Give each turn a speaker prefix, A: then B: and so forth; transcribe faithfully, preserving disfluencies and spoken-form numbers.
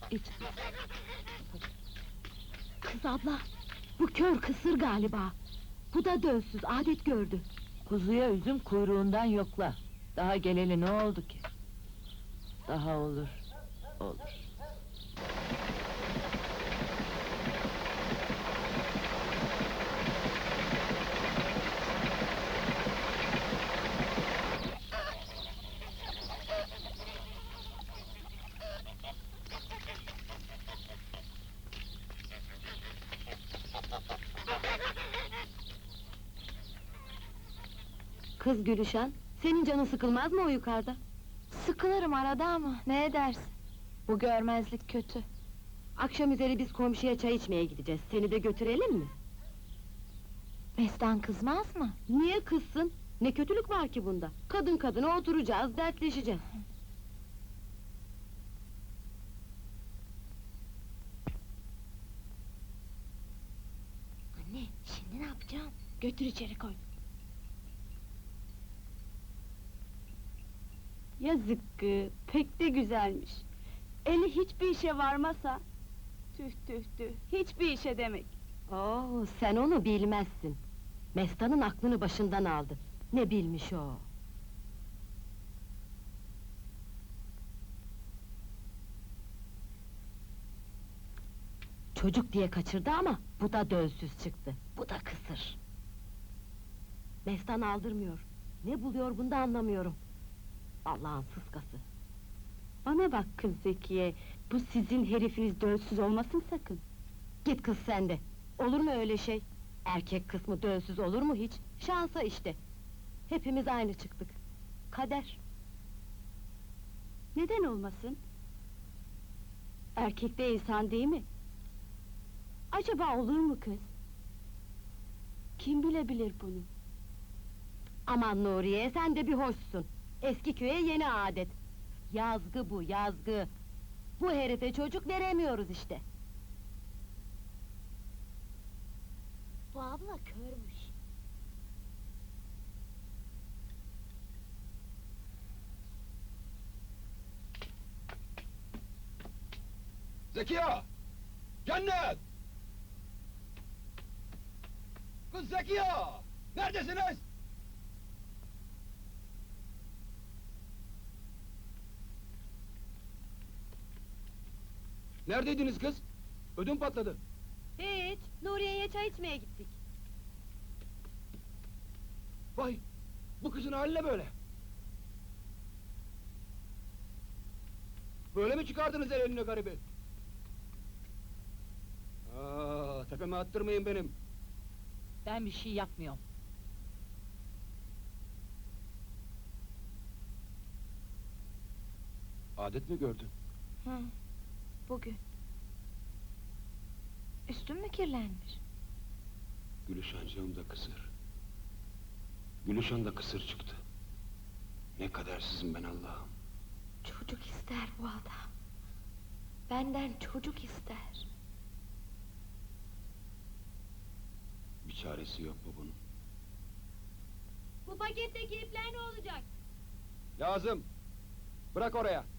A: İç. Kız abla, bu kör kısır galiba. Bu da dölsüz, adet gördü.
B: Kuzuya üzüm kuyruğundan yokla. Daha geleli ne oldu ki? Daha olur, olur.
A: Kız Gülüşen, senin canın sıkılmaz mı o yukarıda?
C: Sıkılırım arada ama ne edersin? Bu görmezlik kötü.
A: Akşam üzeri biz komşuya çay içmeye gideceğiz, seni de götürelim mi?
C: Mestan kızmaz mı?
A: Niye kızsın? Ne kötülük var ki bunda? Kadın kadına oturacağız, dertleşeceğiz.
C: Anne, şimdi ne yapacağım? Götür içeri koy.
D: Yazık kız, pek de güzelmiş. Eli hiçbir işe varmasa... Tüh tüh tüh, hiçbir işe demek.
A: Oo, sen onu bilmezsin. Mestan'ın aklını başından aldı. Ne bilmiş o? Çocuk diye kaçırdı ama bu da dölsüz çıktı. Bu da kısır. Mestan aldırmıyor. Ne buluyor bunda anlamıyorum. Allah'ın sıskası.
D: Bana bak kız Zekiye, bu sizin herifiniz dölsüz olmasın sakın.
A: Git kız sen de. Olur mu öyle şey? Erkek kısmı dölsüz olur mu hiç? Şansa işte. Hepimiz aynı çıktık. Kader.
D: Neden olmasın? Erkek de insan değil mi? Acaba olur mu kız? Kim bilebilir bunu?
A: Aman Nuriye, sen de bir hoşsun. Eski köye yeni adet. Yazgı bu, yazgı. Bu herife çocuk veremiyoruz işte.
C: Bu abla körmüş.
E: Zekiye! Cennet! Kız Zekiye! Neredesiniz? Neredeydiniz kız? Ödüm patladı.
A: Hiç, Nuriye'ye çay içmeye gittik.
E: Vay! Bu kızın hali ne böyle? Böyle mi çıkardınız el eline garibi? Aa, tepeme attırmayın benim.
B: Ben bir şey yapmıyorum.
E: Adet mi gördün?
C: Hı, bugün. Üstün mü kirlenmiş?
E: Gülüşancığım da kısır. Gülüşan da kısır çıktı. Ne kadersizim ben Allah'ım.
C: Çocuk ister bu adam. Benden çocuk ister.
E: Bir çaresi yok mu bunun?
A: Bu paketteki ipler ne olacak?
E: Lazım! Bırak oraya!